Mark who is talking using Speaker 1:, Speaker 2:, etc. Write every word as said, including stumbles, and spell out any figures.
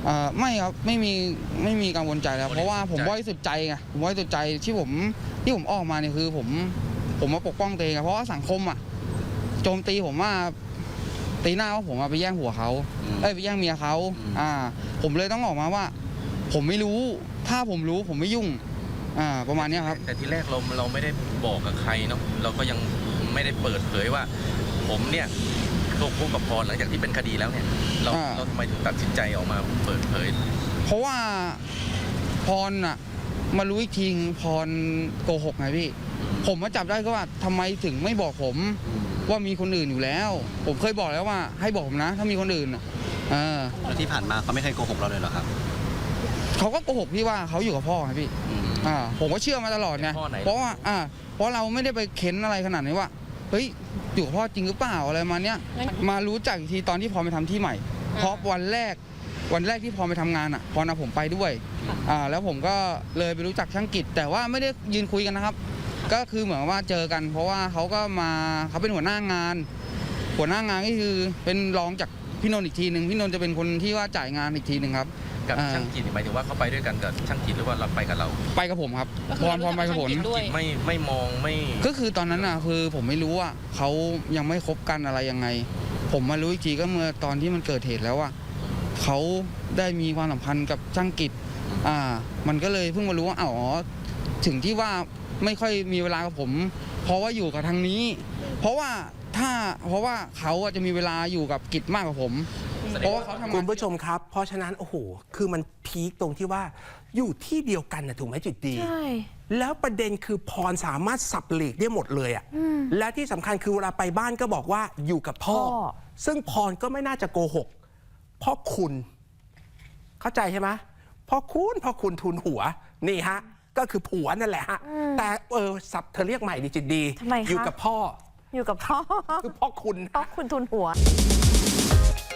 Speaker 1: อ่าไม่ครับไม่มีไม่มีกังวลใจแล้วเพราะว่าผมบริสุทธิ์ใจไงผมบริสุทธิ์ใจที่ผมที่ผมออกมาเนี่ยคือผมผมมาปกป้องตัวเองเพราะว่าสังคมอ่ะโจมตีผมว่าตีหน้าว่าผมไปแย่งผัวเขาเอ้ยไปแย่งเมียเขาอ่าผมเลยต้องออกมาว่า ผมไม่รู้ถ้าผมรู้ผมไม่ยุ่งอ่าประมาณนี้ครับ
Speaker 2: แต่ที่แรกเราเราไม่ได้บอกกับใครเนาะเราก็ยังไม่ได้เปิดเผยว่า ผมเนี่ยโกหกกับพรหลังจากที่เป็นคดีแล้วเนี่ยเราเราทำไมถึงตัดสินใจออกมาเปิดเผย
Speaker 1: เพราะว่าพรอ่ะมารู้อีกทีพรโกหกไงพี่ผมมาจับได้ก็ว่าทำไมถึงไม่บอกผมว่ามีคนอื่นอยู่แล้วผมเคยบอกแล้วว่าให้บอกผมนะถ้ามีคนอื่นอ่ะ
Speaker 3: แล้วที่ผ่านมาเขาไม่เคยโกหกเราเลยเหรอครับ
Speaker 1: เขาก็โกหกพี่ว่าเขาอยู่กับพ่อไงพี่อ่าผมก็เชื่อมาตลอดไงเพราะว่าอ่าเพราะเราไม่ได้ไปเค้นอะไรขนาดนี้ว่าเฮ้ยอยู่กับพ่อจริงหรือเปล่าอะไรมาเนี้ยมารู้จักอีกทีตอนที่พอไปทำที่ใหม่เพราะวันแรกวันแรกที่พอไปทำงานอ่ะพอนะผมไปด้วยอ่าแล้วผมก็เลยไปรู้จักช่างกิจแต่ว่าไม่ได้ยืนคุยกันนะครับก็คือเหมือนว่าเจอกันเพราะว่าเขาก็มาเขาเป็นหัวหน้างานหัวหน้างานก็คือเป็นรองจากพี่นนท์อีกทีหนึ่งพี่นนท์จะเป็นคนที่ว่าจ่ายงานอีกทีหนึ่งครับ
Speaker 2: กับช่างกิจหมายถึงว่าเขาไปด้วยกันกับช่างกิจหรือว่าเราไปกับเรา
Speaker 1: ไปกับผมครับพรพรไปกับผม
Speaker 2: ไม่ไม่มองไม่
Speaker 1: ก็คือตอนนั้นอ่ะคือผมไม่รู้ว่าเขายังไม่คบกันอะไรยังไงผมมารู้อีกทีก็เมื่อตอนที่มันเกิดเหตุแล้วว่าเขาได้มีความสัมพันธ์กับช่างกิจอ่ามันก็เลยเพิ่งมารู้ว่าอ๋อถึงที่ว่าไม่ค่อยมีเวลากับผมเพราะว่าอยู่กับทางนี้เพราะว่าถ้าเพราะว่าเขาจะมีเวลาอยู่กับกิจมากกว่าผมเพราะว่าเขาทำงาน
Speaker 4: คุณผู้ชมครับเพราะฉะนั้นโอ้โหคือมันพีคตรงที่ว่าอยู่ที่เดียวกันนะถูกไหมจุดดีใช่แล้วประเด็นคือพรสามารถสับหลีกได้หมดเลยอ่ะและที่สำคัญคือเวลาไปบ้านก็บอกว่าอยู่กับพ่อซึ่งพรก็ไม่น่าจะโกหกพ่อคุณเข้าใจใช่ไหมพ่อคุณพ่อคุณทุนหัวนี่ฮะก็คือผัวนั่นแหละฮะแต่เออสับเธอเรียกใหม่ดิจิตดีอยู่กับพ่อ
Speaker 5: อยู่กับพ่อ
Speaker 4: คือพ่อคุณ
Speaker 5: พ่อคุณทุนหัว